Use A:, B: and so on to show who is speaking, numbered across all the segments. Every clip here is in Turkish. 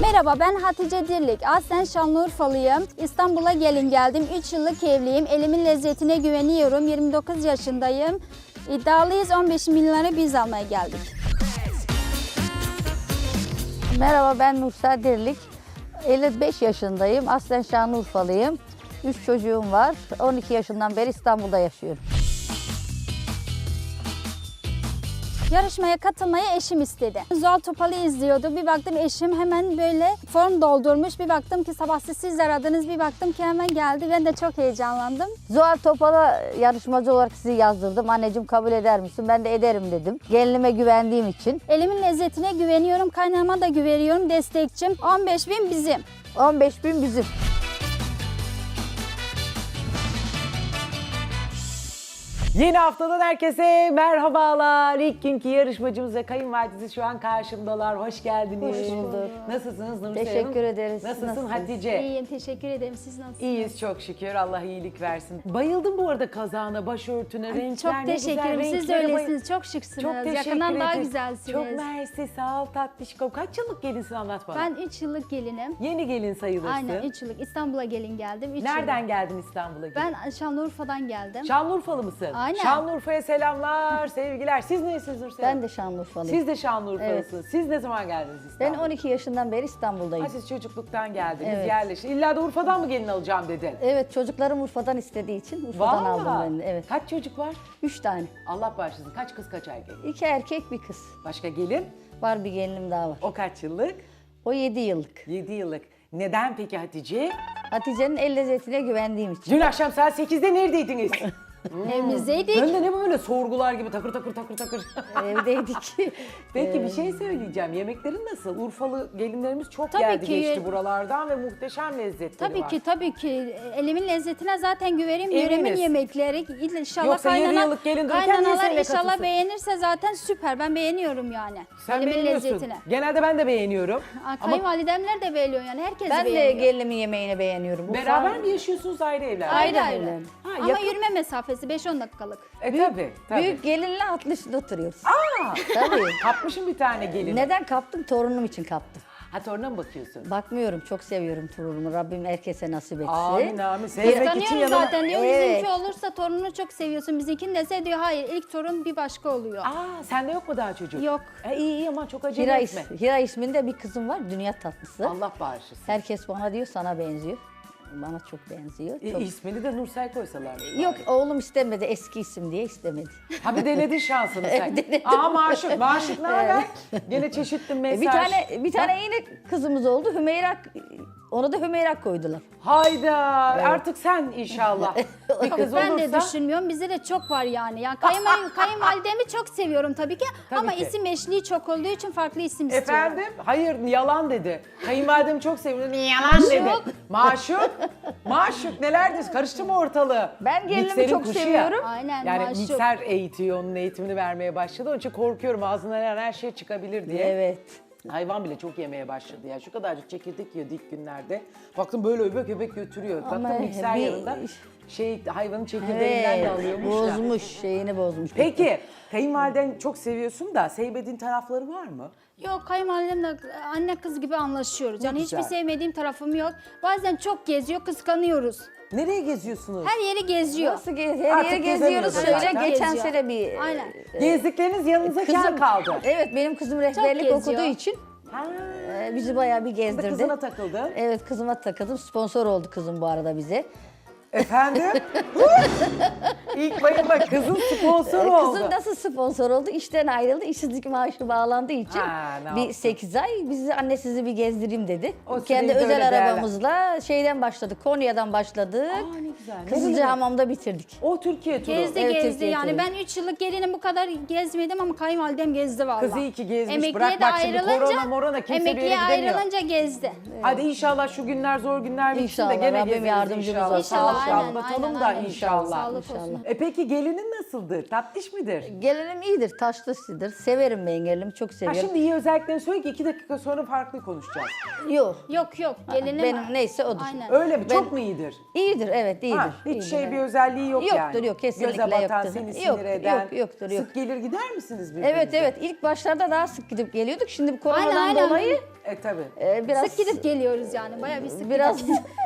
A: Merhaba, ben Hatice Dirlik. Aslen Şanlıurfalıyım. İstanbul'a gelin geldim. 3 yıllık evliyim. Elimin lezzetine güveniyorum. 29 yaşındayım. İddialıyız. 15 milyonları biz almaya geldik.
B: Merhaba, ben Nursel Dirlik. 55 yaşındayım. Aslen Şanlıurfalıyım. 3 çocuğum var. 12 yaşından beri İstanbul'da yaşıyorum.
A: Yarışmaya katılmayı eşim istedi. Zuhal Topal'ı izliyordu. Bir baktım eşim hemen böyle form doldurmuş. Bir baktım ki sabah siz aradınız. Bir baktım ki hemen geldi. Ben de çok heyecanlandım.
B: Zuhal Topal'a yarışmacı olarak sizi yazdırdım. Anneciğim kabul eder misin? Ben de ederim dedim. Gelinime güvendiğim için.
A: Elimin lezzetine güveniyorum. Kaynağıma da güveniyorum. Destekçim. 15.000 bizim.
B: 15.000 bizim.
C: Yeni haftadan herkese merhabalar. İlk günkü yarışmacımız ve kayınvalidesi şu an karşımdalar. Hoş geldiniz.
B: Hoş bulduk.
C: Nasılsınız Nursel Hanım?
B: Teşekkür ederiz.
C: Nasılsın
B: Nasılsınız?
C: Hatice?
A: İyiyim. Teşekkür ederim. Siz nasılsınız?
C: İyiyiz çok şükür. Allah iyilik versin. Bayıldım bu arada kazağına, başörtüne, renkler
A: Çok
C: ne güzel.
A: teşekkür ederim. Siz de
C: renklere
A: öylesiniz. Çok şıksınız.
C: Çok teşekkür
A: Yakından daha
C: ederiz.
A: güzelsiniz.
C: Çok mersi, sağ ol tatlışkom. Kaç yıllık gelinsin anlat bana.
A: Ben 3 yıllık gelinim.
C: Yeni gelin sayılırsın.
A: Aynen 3 yıllık. İstanbul'a gelin geldim.
C: Nereden geldin İstanbul'a?
A: Ben Şanlıurfa'dan geldim.
C: Şanlıurfalı mısın?
A: Aynen.
C: Şanlıurfa'ya selamlar, sevgiler. Siz nesiniz Nursel
B: Ben
C: Hanım?
B: de Şanlıurfalıyım.
C: Siz de Şanlıurfalısınız. Siz ne zaman geldiniz
B: Ben
C: İstanbul'a?
B: 12 yaşından beri İstanbul'dayım.
C: Ha, siz çocukluktan geldiniz,
B: Evet.
C: yerleşin. İlla da Urfa'dan mı gelin alacağım dedin?
B: Evet, çocuklarım Urfa'dan istediği için Urfa'dan aldım ben de. Evet.
C: Kaç çocuk var?
B: 3 tane.
C: Allah bağışlasın. Kaç kız kaç erkek?
B: 2 erkek, bir kız.
C: Başka gelin?
B: Var bir gelinim daha var.
C: O kaç yıllık?
B: O 7 yıllık.
C: 7 yıllık. Neden peki Hatice?
B: Hatice'nin el lezzetine güvendiğim için.
C: Dün akşam saat 8'de neredeydiniz?
A: Evimizdeydik.
C: Ben de ne böyle sorgular gibi takır takır takır takır.
B: Evdeydik.
C: Peki bir şey söyleyeceğim. Yemeklerin nasıl? Urfalı gelinlerimiz çok
A: Tabii
C: geldi
A: ki.
C: geçti buralardan ve muhteşem lezzetleri
A: Tabii
C: var.
A: ki tabii ki. Elimin lezzetine zaten güverim.
C: Eminiz.
A: Yöremin yemekleri inşallah
C: Yoksa yarı yıllık gelin dururken niye
A: kaynanalar
C: seninle
A: inşallah
C: katılsın?
A: beğenirse zaten süper. Ben beğeniyorum yani.
C: Sen
A: Elimin
C: beğeniyorsun.
A: lezzetine.
C: Genelde ben de beğeniyorum.
A: Aa,
C: Ama
A: Kayınvalidemler de beğeniyor yani. Herkes
B: Ben de
A: beğeniyor.
B: gelinimin yemeğini beğeniyorum.
C: beraber mi yaşıyorsunuz ayrı evlerde?
A: Ayrı
B: Ayrı
A: ayrı.
B: evlendim.
C: Ha,
A: Ama
C: yakın.
A: yürüme mesafesi 5-10 dakikalık.
C: Tabii.
B: Büyük gelinle atlı oturuyoruz.
C: Aa,
B: Tabii.
C: kapmışım bir tane gelin.
B: Neden kaptım? Torunum için kaptım.
C: Ha, toruna mı bakıyorsun?
B: Bakmıyorum, çok seviyorum torunumu. Rabbim herkese nasip etsin.
C: Amin amin. Sevmek için
A: Tanıyorum
C: yanına...
A: zaten diyor.
B: Evet.
A: Bizimki olursa torununu çok seviyorsun. Bizimkini dese diyor hayır ilk torun bir başka oluyor.
C: Aa, sende yok mu daha çocuk?
A: Yok.
C: İyi ama çok acele
B: Hira,
C: etme.
B: Hira isminde bir kızım var, dünya tatlısı.
C: Allah bağışlasın.
B: Herkes bana diyor, sana benziyor. Bana çok benziyor. Çok...
C: İsmini de Nursel koysalar.
B: Yok, oğlum istemedi, eski isim diye istemedi.
C: Ha, bir denedin şansını sen.
B: Evet, denedim.
C: Aa, Maşuk. Maşuk ne haber? Gene çeşitli mesaj.
B: Bir tane yine kızımız oldu, Hümeyra. Onu da Hümeyra koydular.
C: Hayda. Artık sen inşallah. Bir kız
A: Ben
C: olursa.
A: de düşünmüyorum. Bizde de çok var yani. Yani kayınvalidemi çok seviyorum tabii ki.
C: Tabii
A: ama
C: ki.
A: isim eşliği çok olduğu için farklı isim istiyorum.
C: Efendim? Hayır, yalan dedi. Kayınvalidemi çok seviyorum. Yalan dedi. Maşuk. Maşuk neler diyorsun? Karıştı mı ortalığı?
B: Ben gelinimi
C: Mikserin
B: çok
C: kuşu ya.
B: seviyorum.
A: Aynen,
C: Yani
A: maşuk.
C: mikser eğitiyor, onun eğitimini vermeye başladı. Onun için korkuyorum ağzından her şey çıkabilir diye.
B: Evet.
C: Hayvan bile çok yemeye başladı ya. Şu kadarcık çekirdek yiyordu ilk günlerde. Baktım böyle öbek öbek götürüyor.
B: Ama
C: Baktım mikser
B: bir-
C: yanında hayvanın çekirdeğinden de
B: Evet,
C: alıyormuş da.
B: bozmuş, şeyini bozmuş.
C: Peki, kayınvaliden çok seviyorsun da sevmediğin tarafları var mı?
A: Yok kayınvalidemle anne kız gibi anlaşıyoruz. Yani
C: güzel.
A: hiçbir sevmediğim tarafım yok. Bazen çok geziyor kıskanıyoruz.
C: Nereye geziyorsunuz?
A: Her yeri geziyor.
B: Nasıl her
C: Artık
B: yere geziyoruz.
C: gezemiyoruz
B: Şöyle
C: zaten.
B: geçen
A: Geziyor.
B: sene bir...
A: Aynen.
C: Gezdikleriniz yanınıza kar kaldı.
B: Evet, benim kızım rehberlik
A: geziyor.
B: okuduğu için
C: Ha,
B: bizi bayağı bir
C: bir de
B: gezdirdi.
C: kızına takıldı.
B: Evet, kızıma takıldım. Sponsor oldu kızım bu arada bize.
C: Efendim? İlk bayılma kızın sponsoru oldu.
B: Kızım nasıl sponsor oldu? İşten ayrıldı. İşsizlik maaşı bağlandığı için
C: Ha, ne
B: bir
C: yaptın?
B: 8 ay bizi anne sizi bir gezdireyim dedi.
C: O
B: Kendi
C: süreyi de
B: özel
C: öyle
B: arabamızla şeyden başladık. Konya'dan başladık.
C: Aa, ne güzel. Ne
B: Kızılca
C: güzel.
B: Hamam'da bitirdik.
C: O Türkiye turu.
A: Gezdi
B: Evet,
A: gezdi
B: Türkiye
A: yani
B: turu.
A: ben 3 yıllık gelinim bu kadar gezmedim ama kayınvalidem gezdi valla.
C: Kız iyi ki gezmiş.
A: Emekliye
C: Bırak
A: de
C: bak şimdi
A: ayrılınca,
C: korona morona kimse bir yere
A: emekliye
C: gidemiyor.
A: ayrılınca gezdi.
C: Hadi inşallah şu günler zor günler bitsin de
B: İnşallah,
C: gene
B: Rabbim
C: gezeriz
B: yardımcımız
C: inşallah.
B: olsun.
C: Sağlık
A: aynen,
C: atlatalım
A: aynen,
C: da
A: aynen.
C: inşallah.
A: Sağlık olsun.
C: Peki gelinin nasıldır? Tatlış mıdır?
B: Gelinim iyidir, taşlısıdır. Severim ben gelinimi, çok
C: Ha,
B: severim.
C: şimdi iyi özelliklerini söyle ki 2 dakika sonra farklı konuşacağız.
B: Yok.
A: Yok gelinim.
B: Benim neyse odur.
A: Aynen.
C: Öyle mi?
B: Ben-
C: Çok mu iyidir?
B: İyidir, evet iyidir.
C: Ha, hiç
B: iyidir,
C: şey
B: evet.
C: bir özelliği yok yani.
B: Yoktur, yok, kesinlikle
C: Göze batan,
B: yoktur.
C: seni
B: Yok,
C: sinir eden.
B: yok, yoktur, yok.
C: Sık gelir gider misiniz birbirinize?
B: Evet evet, ilk başlarda daha sık gidip geliyorduk. Şimdi bu koronadan
A: Aynen.
B: dolayı
C: Tabii.
B: biraz
A: Sık gidip geliyoruz yani. Bayağı bir sık
B: biraz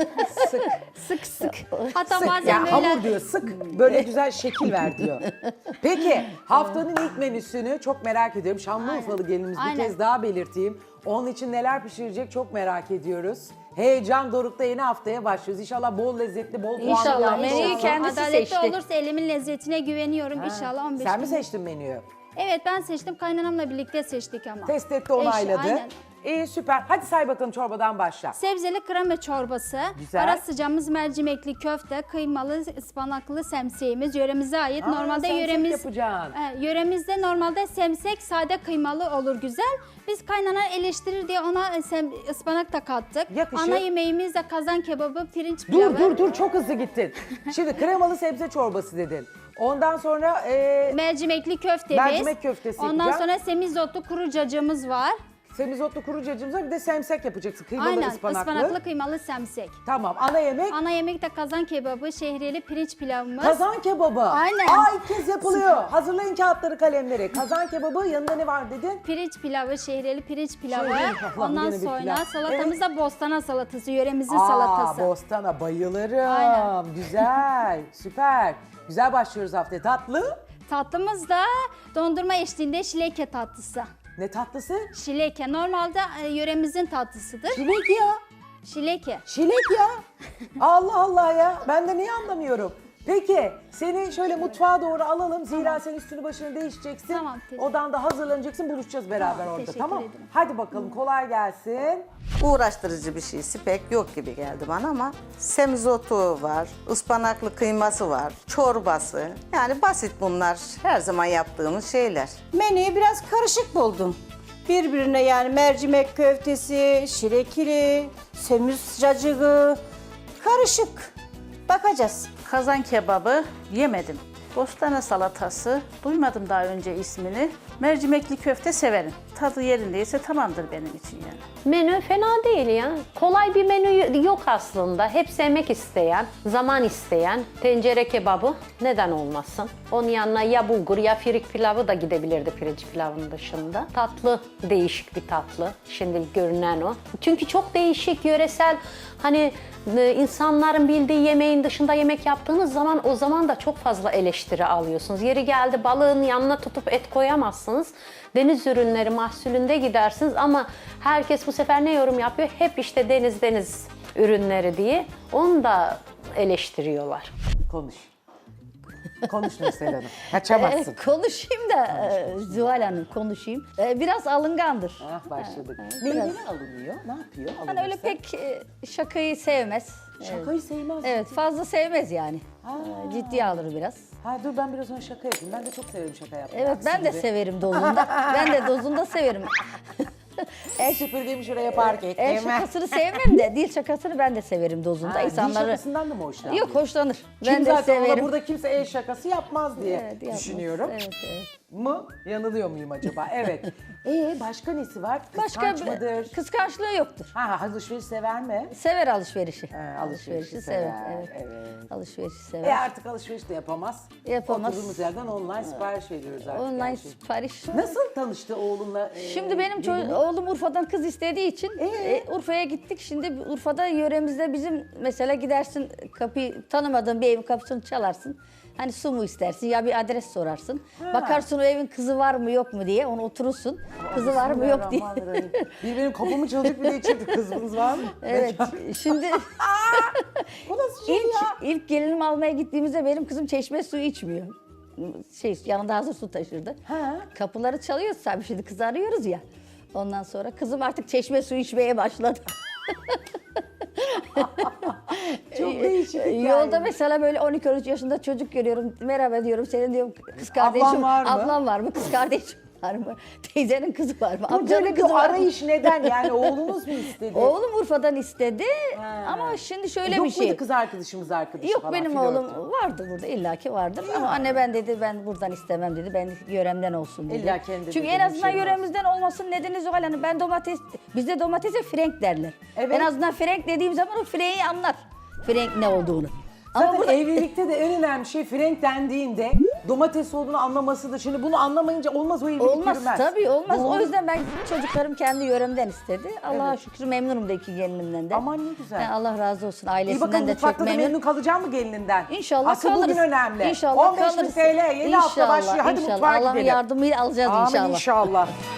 C: Sık.
A: Hatta
C: Sık.
A: bazen
C: Ya
A: böyle
C: hamur diyor sık böyle güzel şekil ver diyor. Peki haftanın ilk menüsünü çok merak ediyorum. Şanlıurfalı gelinimiz bir
A: Aynen.
C: kez daha belirteyim. Onun için neler pişirecek çok merak ediyoruz. Heyecan dorukta yeni haftaya başlıyoruz. İnşallah bol lezzetli, bol puanlı.
B: İnşallah.
C: yapmış
B: Menüyü
C: olsun.
B: kendisi
A: adaletli
B: seçti.
A: olursa elimin lezzetine güveniyorum inşallah 15
C: Sen mi
A: gün.
C: seçtin menüyü?
A: Evet ben seçtim. Kaynanamla birlikte seçtik ama.
C: Test etti, onayladı.
A: Aynen.
C: İyi süper. Hadi say bakalım çorbadan başla.
A: Sebzeli krema çorbası,
C: Güzel.
A: ara sıcağımız mercimekli köfte, kıymalı ıspanaklı semseğimiz yöremize ait.
C: Aa,
A: Normalde
C: semsek yapacaksın.
A: Yöremizde normalde semsek sade kıymalı olur güzel. Biz kaynana eleştirir diye ona ıspanak da kattık.
C: Yakışır.
A: Ana yemeğimiz de kazan kebabı, pirinç pilavı.
C: Dur çok hızlı gittin. Şimdi kremalı sebze çorbası dedin. Ondan sonra
A: Mercimekli köftemiz.
C: Mercimek köftesi
A: Ondan
C: yapacağım.
A: sonra semizotlu kuru cacığımız var.
C: semizotlu kuru cacığımız var, bir de semsek yapacaksın. Kıymalı
A: Aynen
C: ıspanaklı.
A: kıymalı semsek.
C: Tamam, ana yemek.
A: Ana yemek de kazan kebabı, şehriyeli pirinç pilavımız.
C: Kazan kebabı.
A: Aynen.
C: İlk kez yapılıyor. Hazırlayın kağıtları, kalemleri. Kazan kebabı, yanında ne var dedin?
A: Pirinç pilavı, şehriyeli pirinç pilavı.
C: Şehriyeli, Allah'ım,
A: Ondan
C: yine bir
A: sonra
C: pilav.
A: salatamız da bostana salatası, yöremizin salatası.
C: Bostana bayılırım.
A: Aynen.
C: Güzel, süper. Güzel başlıyoruz haftaya. Tatlı.
A: Tatlımız da dondurma eşliğinde şileke tatlısı.
C: Ne tatlısı?
A: Şileke normalde yöremizin tatlısıdır.
C: Çilek ya.
A: Şileke.
C: Çilek ya. Allah Allah ya. Ben de niye anlamıyorum? Peki seni şöyle mutfağa doğru alalım. Zira sen üstünü başını değişeceksin.
A: Tamam, teşekkür-
C: Odan da hazırlanacaksın. Buluşacağız beraber
A: Tamam,
C: orada.
A: teşekkür
C: Tamam.
A: ederim.
C: Hadi bakalım, kolay gelsin.
D: Uğraştırıcı bir şeysi pek yok gibi geldi bana ama semizotu var, ıspanaklı kıyması var, çorbası. Yani basit bunlar. Her zaman yaptığımız şeyler.
E: Menüyü biraz karışık buldum. Birbirine yani mercimek köftesi, şirekili, semiz cacığı, karışık. Bakacağız.
F: Kazan kebabı yemedim. Bostana salatası, duymadım daha önce ismini. Mercimekli köfte severim. Tadı yerindeyse tamamdır benim için yani.
G: Menü fena değil ya. Kolay bir menü yok aslında. Hep sevmek isteyen, zaman isteyen tencere kebabı neden olmasın? Onun yanına ya bulgur ya firik pilavı da gidebilirdi pirinç pilavının dışında. Tatlı, değişik bir tatlı. Şimdi görünen o. Çünkü çok değişik, yöresel, hani insanların bildiği yemeğin dışında yemek yaptığınız zaman o zaman da çok fazla eleştiri alıyorsunuz. Yeri geldi balığın yanına tutup et koyamazsınız. Deniz ürünleri mahsulünde gidersiniz ama herkes bu sefer ne yorum yapıyor? Hep işte deniz ürünleri diye. Onu da eleştiriyorlar.
C: Konuş. Konuş Nursel Hanım. Kaçamazsın.
B: konuşayım da Zuhal Hanım konuşayım. Biraz alıngandır.
C: Başladık.
B: biraz.
C: Neyden alınıyor? Ne yapıyor?
B: Hani öyle
C: alınırsa?
B: pek şakayı sevmez.
C: Şakayı sevmez.
B: Evet, fazla sevmez yani. Ciddiye alır biraz.
C: Dur ben biraz ona şaka yapayım. Ben de çok severim şaka yapmayı.
B: Evet, ben de
C: Aksi gibi.
B: severim dozunda. Ben de dozunda severim.
C: El süpürgemi şuraya park ettim.
B: El şakasını sevmem de dil şakasını ben de severim dozunda.
C: Dil
B: İnsanları...
C: şakasından da mı hoşlanıyor?
B: Yok, hoşlanır.
C: Kim
B: Ben de
C: zaten ona
B: severim.
C: burada kimse el şakası yapmaz diye
B: Evet, yapmaz.
C: düşünüyorum.
B: Evet, evet.
C: Mı? Yanılıyor muyum acaba? Evet. Başka nesi var?
B: Başka
C: Kıskanç mıdır?
B: kıskançlığı yoktur.
C: Alışveriş sever mi?
B: Sever alışverişi.
C: Alışverişi
B: sever.
C: sever,
B: Evet.
C: evet.
B: Alışverişi sever.
C: Artık alışveriş de yapamaz.
B: Yapamaz.
C: Oturduğumuz yerden online sipariş veriyoruz artık.
B: Online
C: her şeyi.
B: sipariş.
C: Nasıl tanıştı oğlunla?
B: Şimdi benim oğlum Urfa'dan kız istediği için Urfa'ya gittik. Şimdi Urfa'da yöremizde bizim mesela gidersin, kapıyı tanımadığın bir evin kapısını çalarsın. Hani su mu istersin ya bir adres sorarsın. Bakarsın o evin kızı var mı yok mu diye, onu oturursun. Kızı var mı yok diye.
C: Bismillahirrahmanirrahim. Bir benim kapımı çalıp bir de içeride kızımız var mı?
B: Evet. Şimdi
C: Bu nasıl şey ya?
B: ilk gelinimi almaya gittiğimizde benim kızım çeşme suyu içmiyor. Yanında hazır su taşırdı. Kapıları çalıyoruz tabii, şimdi kızı arıyoruz ya. Ondan sonra kızım artık çeşme suyu içmeye başladı.
C: Çok değişik hikaye.
B: Yolda mesela böyle 12-13 yaşında çocuk görüyorum. Merhaba diyorum, senin diyorum kız kardeşim.
C: Ablan var mı?
B: Ablam var mı? Kız kardeşim. var mı? Teyzenin kızı var mı?
C: Bu
B: Amcanın
C: böyle
B: kızı
C: bir
B: var mı?
C: arayış neden? Yani oğlunuz mu istedi?
B: Oğlum Urfa'dan istedi
C: Ha.
B: ama şimdi şöyle
C: Yok
B: bir şey.
C: muydu kız arkadaşı
B: Yok
C: falan?
B: benim
C: flörtü?
B: oğlum vardı burada illaki vardır ama anne ben dedi ben buradan istemem dedi. Ben yöremden olsun dedi.
C: İlla kendi
B: Çünkü
C: dedi,
B: en azından
C: hemşerim
B: yöremizden olmasının nedeni Zuhal Hanım. Ben bizde domatese frenk derler.
C: Evet.
B: En azından frenk dediğim zaman o frenki anlar. Frenk ne olduğunu. Ama
C: Zaten
B: burada
C: evlilikte de en önemli şey frenk dendiğinde domates olduğunu anlamasıdır. Şimdi bunu anlamayınca olmaz, o evlilik
B: olmaz
C: yürümez.
B: tabii olmaz.
C: Doğru.
B: O yüzden ben çocuklarım kendi yöremden istedi. Allah'a şükür memnunum da iki gelinimden de.
C: Aman ne güzel.
B: Yani Allah razı olsun
C: İyi
B: ailesinden
C: bakalım,
B: de çok
C: mutfakta da
B: memnun.
C: memnun kalacak mı gelininden?
B: İnşallah
C: Asıl
B: kalırız.
C: bugün önemli.
B: İnşallah
C: 15.000
B: kalırız.
C: TL yeni hafta başlıyor. Hadi
B: İnşallah.
C: mutfağa
B: Allah'ın
C: gidelim.
B: yardımıyla alacağız
C: Amin
B: inşallah.
C: inşallah.